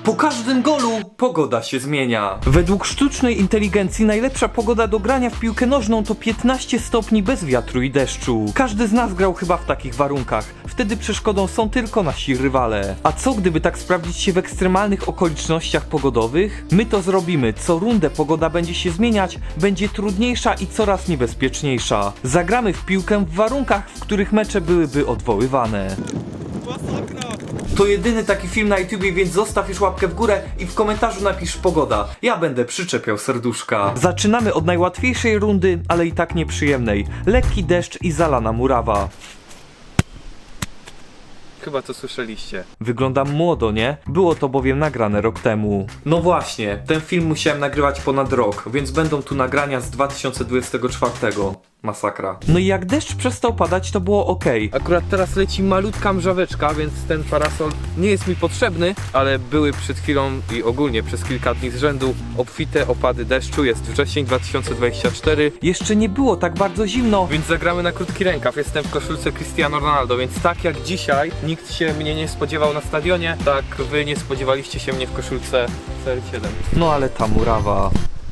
Po każdym golu pogoda się zmienia. Według sztucznej inteligencji najlepsza pogoda do grania w piłkę nożną to 15 stopni bez wiatru i deszczu. Każdy z nas grał chyba w takich warunkach. Wtedy przeszkodą są tylko nasi rywale. A co gdyby tak sprawdzić się w ekstremalnych okolicznościach pogodowych? My to zrobimy. Co rundę pogoda będzie się zmieniać, będzie trudniejsza i coraz niebezpieczniejsza. Zagramy w piłkę w warunkach, w których mecze byłyby odwoływane. To jedyny taki film na YouTubie, więc zostaw już łapkę w górę i w komentarzu napisz pogoda. Ja będę przyczepiał serduszka. Zaczynamy od najłatwiejszej rundy, ale i tak nieprzyjemnej. Lekki deszcz i zalana murawa. Chyba to słyszeliście. Wyglądam młodo, nie? Było to bowiem nagrane rok temu. No właśnie, ten film musiałem nagrywać ponad rok, więc będą tu nagrania z 2024. Masakra. No i jak deszcz przestał padać, to było ok. Akurat teraz leci malutka mrzaweczka, więc ten parasol nie jest mi potrzebny, ale były przed chwilą i ogólnie przez kilka dni z rzędu obfite opady deszczu. Jest wrzesień 2024. Jeszcze nie było tak bardzo zimno, więc zagramy na krótki rękaw. Jestem w koszulce Cristiano Ronaldo, więc tak jak dzisiaj nikt się mnie nie spodziewał na stadionie, tak wy nie spodziewaliście się mnie w koszulce CR7. No ale ta murawa.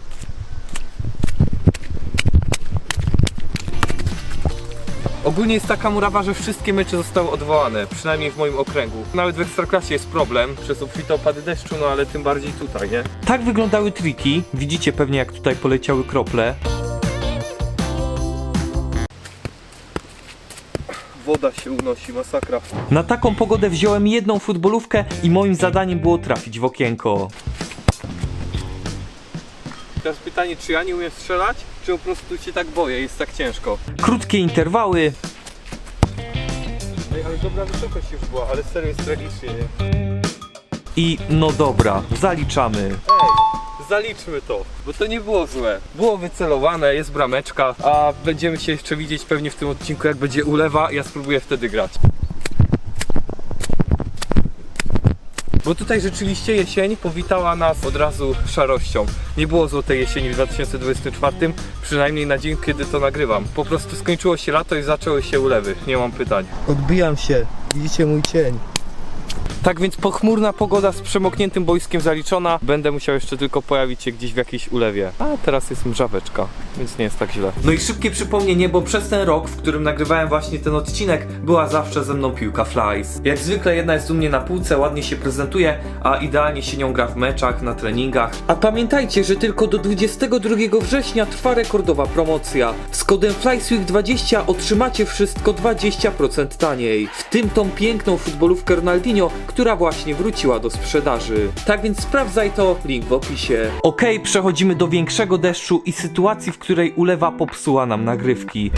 Ogólnie jest taka murawa, że wszystkie mecze zostały odwołane, przynajmniej w moim okręgu. Nawet w Ekstraklasie jest problem przez obfite opady deszczu, no ale tym bardziej tutaj, nie? Tak wyglądały triki. Widzicie pewnie, jak tutaj poleciały krople. Woda się unosi, masakra. Na taką pogodę wziąłem jedną futbolówkę i moim zadaniem było trafić w okienko. Teraz pytanie, czy ja nie umiem strzelać, czy po prostu się tak boję, jest tak ciężko. Krótkie interwały. Ej, ale dobra wysokość już była, ale serio jest tragicznie, nie? I no dobra, zaliczamy. Ej, zaliczmy to, bo to nie było złe. Było wycelowane, jest brameczka, a będziemy się jeszcze widzieć pewnie w tym odcinku, jak będzie ulewa, ja spróbuję wtedy grać. Bo tutaj rzeczywiście jesień powitała nas od razu szarością. Nie było złotej jesieni w 2024, przynajmniej na dzień, kiedy to nagrywam. Po prostu skończyło się lato i zaczęły się ulewy, nie mam pytań. Odbijam się, widzicie mój cień. Tak więc pochmurna pogoda z przemokniętym boiskiem zaliczona. Będę musiał jeszcze tylko pojawić się gdzieś w jakiejś ulewie. A teraz jest mrzaweczka, więc nie jest tak źle. No i szybkie przypomnienie, bo przez ten rok, w którym nagrywałem właśnie ten odcinek, była zawsze ze mną piłka Flies. Jak zwykle jedna jest u mnie na półce, ładnie się prezentuje, a idealnie się nią gra w meczach, na treningach. A pamiętajcie, że tylko do 22 września trwa rekordowa promocja. Z kodem FLYSWEEK20 otrzymacie wszystko 20% taniej. W tym tą piękną futbolówkę Ronaldinho, która właśnie wróciła do sprzedaży. Tak więc sprawdzaj to, link w opisie. Okej, przechodzimy do większego deszczu i sytuacji, w której ulewa popsuła nam nagrywki.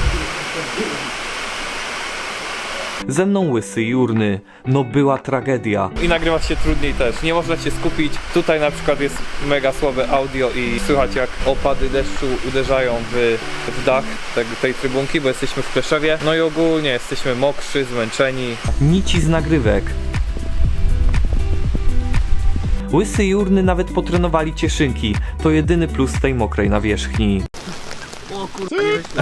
Ze mną Łysy Jurny. No była tragedia. I nagrywa się trudniej też, nie można się skupić. Tutaj na przykład jest mega słabe audio i słychać jak opady deszczu uderzają w dach tej trybunki, bo jesteśmy w Pleszewie. No i ogólnie jesteśmy mokrzy, zmęczeni. Nici z nagrywek. Łysy i Jurny nawet potrenowali cieszynki. To jedyny plus tej mokrej nawierzchni. O kurde.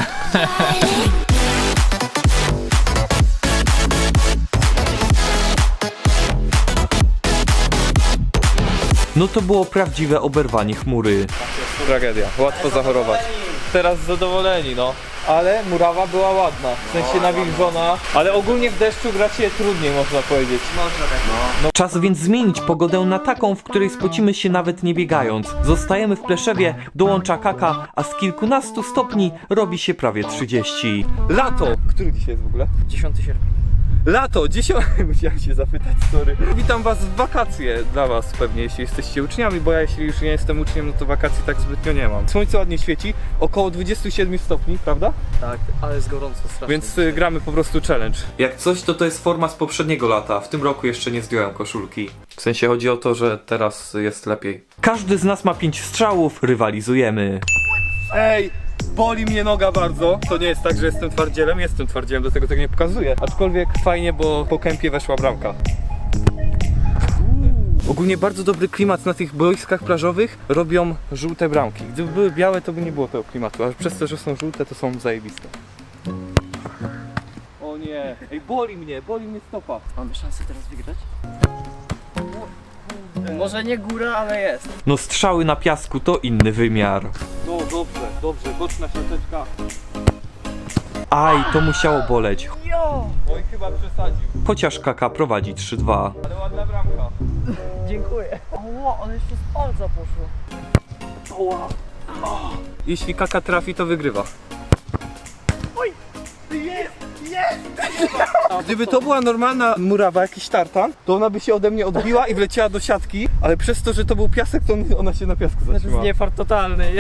No to było prawdziwe oberwanie chmury. Tragedia, łatwo zachorować. Teraz zadowoleni, no. Ale murawa była ładna, w sensie nawilżona. Ale ogólnie w deszczu gra się trudniej, można powiedzieć. Można tak. No. Czas więc zmienić pogodę na taką, w której spocimy się nawet nie biegając. Zostajemy w Pleszewie, dołącza Kaka, a z kilkunastu stopni robi się prawie 30. Lato! Który dzisiaj jest w ogóle? 10 sierpnia. Lato, dzisiaj musiałem się zapytać, sorry. Witam was w wakacje dla was pewnie, jeśli jesteście uczniami, bo ja jeśli już nie jestem uczniem, no to wakacji tak zbytnio nie mam. Słońce ładnie świeci, około 27 stopni, prawda? Tak, ale jest gorąco strasznie. Więc gramy po prostu challenge. Jak coś, to jest forma z poprzedniego lata. W tym roku jeszcze nie zdjąłem koszulki. W sensie chodzi o to, że teraz jest lepiej. Każdy z nas ma 5 strzałów, rywalizujemy. Ej! Boli mnie noga bardzo. To nie jest tak, że jestem twardzielem, do tego nie pokazuję. Aczkolwiek fajnie, bo po kępie weszła bramka. Ogólnie bardzo dobry klimat na tych boiskach plażowych robią żółte bramki. Gdyby były białe, to by nie było tego klimatu, a przez to, że są żółte, to są zajebiste. O nie, ej, boli mnie stopa. Mamy szansę teraz wygrać? Może nie góra, ale jest. No strzały na piasku to inny wymiar. No dobrze, boczna siateczka. Aj, to musiało boleć. Oj, chyba przesadził. Chociaż Kaka prowadzi 3-2. Ale ładna bramka. Dziękuję. Oła, ale jeszcze z palca poszło. Jeśli Kaka trafi, to wygrywa. Gdyby to była normalna murawa, jakiś tartan, to ona by się ode mnie odbiła i wleciała do siatki, ale przez to, że to był piasek, to ona się na piasku To jest zatrzymała. niefart totalny.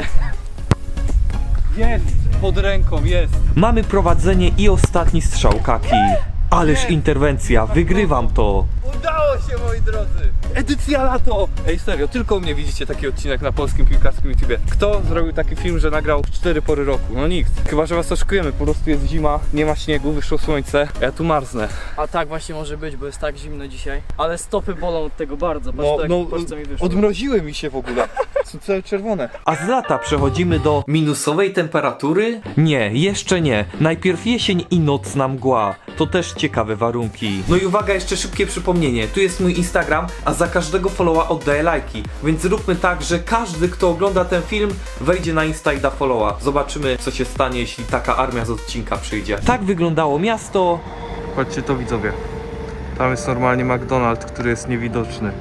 Jest! Pod ręką, jest! Mamy prowadzenie i ostatni strzał Kaki. Ależ interwencja, wygrywam to. Udało się, moi drodzy! Edycja lato! Ej, serio, tylko u mnie widzicie taki odcinek na polskim piłkarskim YouTubie. Kto zrobił taki film, że nagrał 4 pory roku? No nikt. Chyba, że was oszukujemy, po prostu jest zima, nie ma śniegu, wyszło słońce, a ja tu marznę. A tak właśnie może być, bo jest tak zimno dzisiaj. Ale stopy bolą od tego bardzo. Patrz, patrz co mi wyszło. odmroziły mi się w ogóle. Są całe czerwone. A z lata przechodzimy do minusowej temperatury? Nie, jeszcze nie. Najpierw jesień i nocna mgła. To też ciekawe warunki. No i uwaga, jeszcze szybkie przypomnienie. Tu jest mój Instagram, a za każdego followa oddaję lajki. Więc zróbmy tak, że każdy, kto ogląda ten film, wejdzie na Insta i da followa. Zobaczymy, co się stanie, jeśli taka armia z odcinka przyjdzie. Tak wyglądało miasto. Patrzcie to, widzowie. Tam jest normalnie McDonald's, który jest niewidoczny.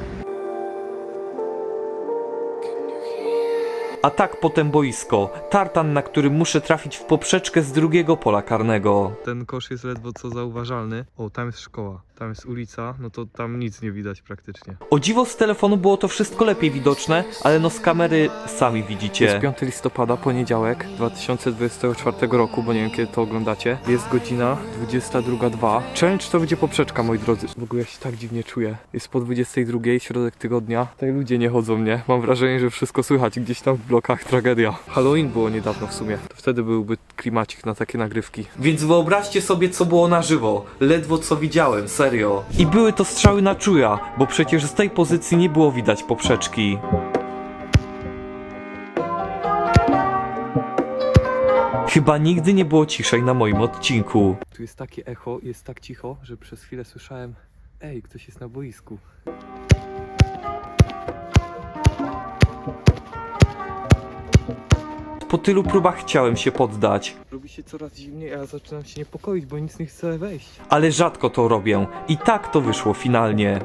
A tak potem boisko. Tartan, na którym muszę trafić w poprzeczkę z drugiego pola karnego. Ten kosz jest ledwo co zauważalny. O, tam jest szkoła, tam jest ulica, no to tam nic nie widać praktycznie. O dziwo z telefonu było to wszystko lepiej widoczne, ale no z kamery sami widzicie. Jest 5 listopada, poniedziałek 2024 roku, bo nie wiem kiedy to oglądacie. Jest godzina 22:02. Challenge to będzie poprzeczka, moi drodzy. W ogóle ja się tak dziwnie czuję. Jest po 22:00, środek tygodnia. Tutaj ludzie nie chodzą, nie? Mam wrażenie, że wszystko słychać gdzieś tam w blokach, tragedia. Halloween było niedawno w sumie. To wtedy byłby klimacik na takie nagrywki. Więc wyobraźcie sobie, co było na żywo. Ledwo co widziałem, serio. I były to strzały na czuja, bo przecież z tej pozycji nie było widać poprzeczki. Chyba nigdy nie było ciszej na moim odcinku. Tu jest takie echo, jest tak cicho, że przez chwilę słyszałem: ej, ktoś jest na boisku. Po tylu próbach chciałem się poddać, Robi się coraz zimniej, a ja zaczynam się niepokoić, bo nic nie chce wejść. ale rzadko to robię. I tak to wyszło finalnie.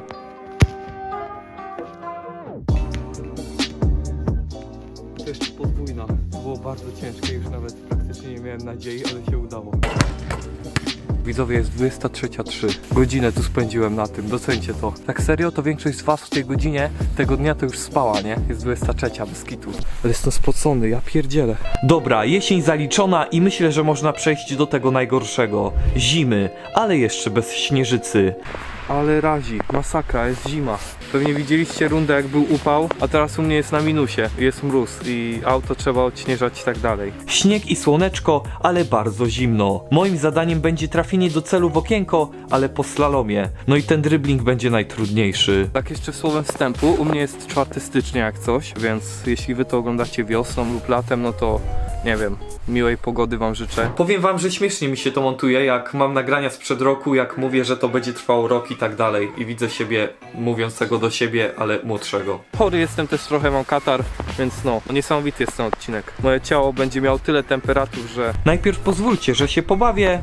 To jeszcze podwójna. Było bardzo ciężkie, już nawet praktycznie nie miałem nadziei, ale się udało. Widzowie, jest 23:03. Godzinę tu spędziłem na tym, docencie to. Tak serio, to większość z was w tej godzinie tego dnia to już spała, nie? Jest 23:00, bez kitu. Ale jestem spocony, ja pierdzielę. Dobra, jesień zaliczona i myślę, że można przejść do tego najgorszego. Zimy, ale jeszcze bez śnieżycy. Ale razi, masakra, jest zima. Pewnie widzieliście rundę, jak był upał, a teraz u mnie jest na minusie. Jest mróz i auto trzeba odśnieżać i tak dalej. Śnieg i słoneczko, ale bardzo zimno. Moim zadaniem będzie trafienie do celu w okienko, ale po slalomie. No i ten dribbling będzie najtrudniejszy. Tak jeszcze słowem wstępu, u mnie jest 4 stycznia jak coś, więc jeśli wy to oglądacie wiosną lub latem, no to nie wiem, miłej pogody wam życzę. Powiem wam, że śmiesznie mi się to montuje, jak mam nagrania sprzed roku, jak mówię, że to będzie trwało rok i tak dalej. I widzę siebie mówiącego do siebie, ale młodszego. Chory jestem też trochę, mam katar, więc no, niesamowity jest ten odcinek. Moje ciało będzie miało tyle temperatur, że... Najpierw pozwólcie, że się pobawię.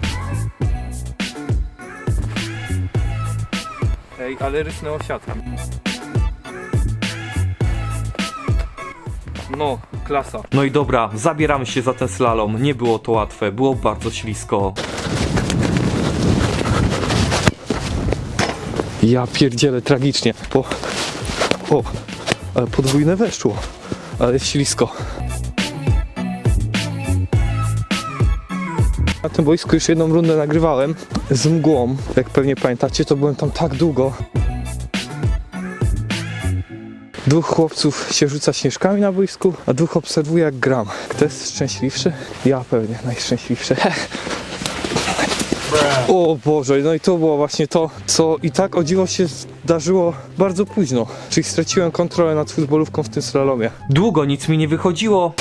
Ej, ale rysnęło siatka. No, klasa. No i dobra, zabieramy się za ten slalom. Nie było to łatwe, było bardzo ślisko. Ja pierdzielę tragicznie, bo... O, ale podwójne weszło. Ale jest ślisko. Na tym boisku już jedną rundę nagrywałem z mgłą. Jak pewnie pamiętacie, to byłem tam tak długo. 2 chłopców się rzuca śnieżkami na boisku, a 2 obserwuje jak gram. Kto jest szczęśliwszy? Ja pewnie najszczęśliwszy. O Boże, no i to było właśnie to, co i tak o dziwo się zdarzyło bardzo późno. Czyli straciłem kontrolę nad futbolówką w tym slalomie. Długo nic mi nie wychodziło.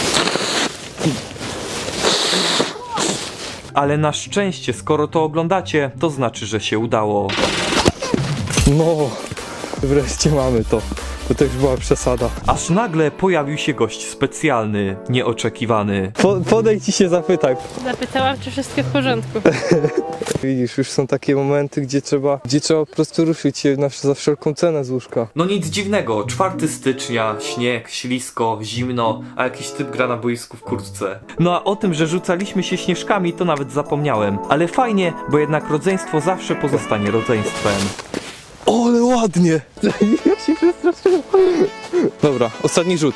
Ale na szczęście, skoro to oglądacie, to znaczy, że się udało. No, wreszcie mamy to. bo to już była przesada. Aż nagle pojawił się gość specjalny, nieoczekiwany. Podejdź i się zapytaj. Zapytałam, czy wszystko w porządku. Widzisz, już są takie momenty, gdzie trzeba po prostu ruszyć się za wszelką cenę z łóżka. No nic dziwnego, 4 stycznia, śnieg, ślisko, zimno, a jakiś typ gra na boisku w kurtce. No a o tym, że rzucaliśmy się śnieżkami, to nawet zapomniałem. Ale fajnie, bo jednak rodzeństwo zawsze pozostanie rodzeństwem. O, ale ładnie! Ja się przestraszyłem. Dobra, ostatni rzut.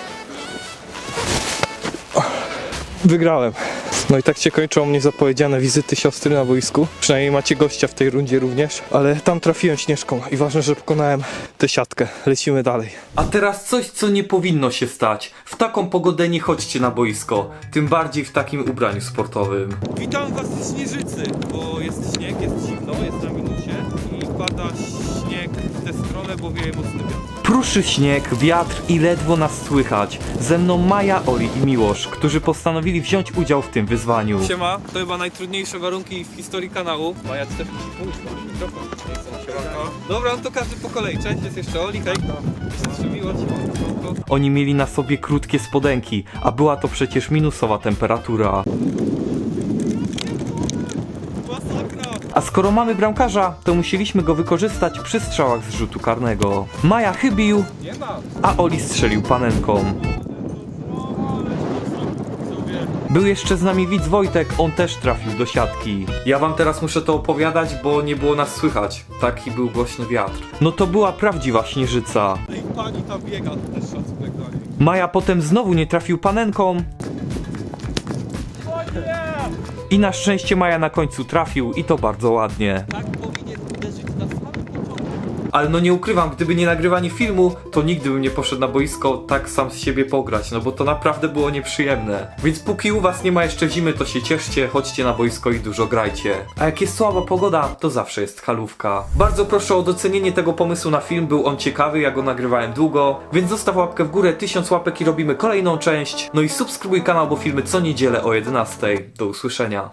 Wygrałem. No i tak się kończą mnie zapowiedziane wizyty siostry na boisku. Przynajmniej macie gościa w tej rundzie również. Ale tam trafiłem śnieżką i ważne, że pokonałem tę siatkę. Lecimy dalej. A teraz coś, co nie powinno się stać. W taką pogodę nie chodźcie na boisko, tym bardziej w takim ubraniu sportowym. Witam was z Śnieżycy, bo jest śnieg, jest zimno, jest na minusie i pada śnieg w tę stronę, bo wieje mocny wiatr. Pruszy śnieg, wiatr i ledwo nas słychać. Ze mną Maja, Oli i Miłosz, którzy postanowili wziąć udział w tym wyzwaniu. Siema, to chyba najtrudniejsze warunki w historii kanału. Maja, ty też musisz pójść, masz mikrofon. Nie chcą się rąka. Dobra, no to każdy po kolei. Cześć, jest jeszcze Oli, hej. Jest jeszcze Miłosz. Oni mieli na sobie krótkie spodenki, a była to przecież minusowa temperatura. Masakra! A skoro mamy bramkarza, to musieliśmy go wykorzystać przy strzałach z rzutu karnego. Maja chybił, Nie ma. a Oli strzelił panenką. Był jeszcze z nami widz Wojtek, on też trafił do siatki. Ja wam teraz muszę to opowiadać, bo nie było nas słychać. Taki był głośny wiatr. No to była prawdziwa śnieżyca. No i pani tam biega, to też szacunek dla niej. Maja potem znowu nie trafił panenką. I na szczęście Maja na końcu trafił i to bardzo ładnie. Tak powinien uderzyć na samym początku. Ale no nie ukrywam, gdyby nie nagrywanie filmu, to nigdy bym nie poszedł na boisko tak sam z siebie pograć, no bo to naprawdę było nieprzyjemne. Więc póki u was nie ma jeszcze zimy, to się cieszcie, chodźcie na boisko i dużo grajcie. A jak jest słaba pogoda, to zawsze jest halówka. Bardzo proszę o docenienie tego pomysłu na film, był on ciekawy, ja go nagrywałem długo, więc zostaw łapkę w górę, 1000 łapek i robimy kolejną część. No i subskrybuj kanał, bo filmy co niedzielę o 11. Do usłyszenia.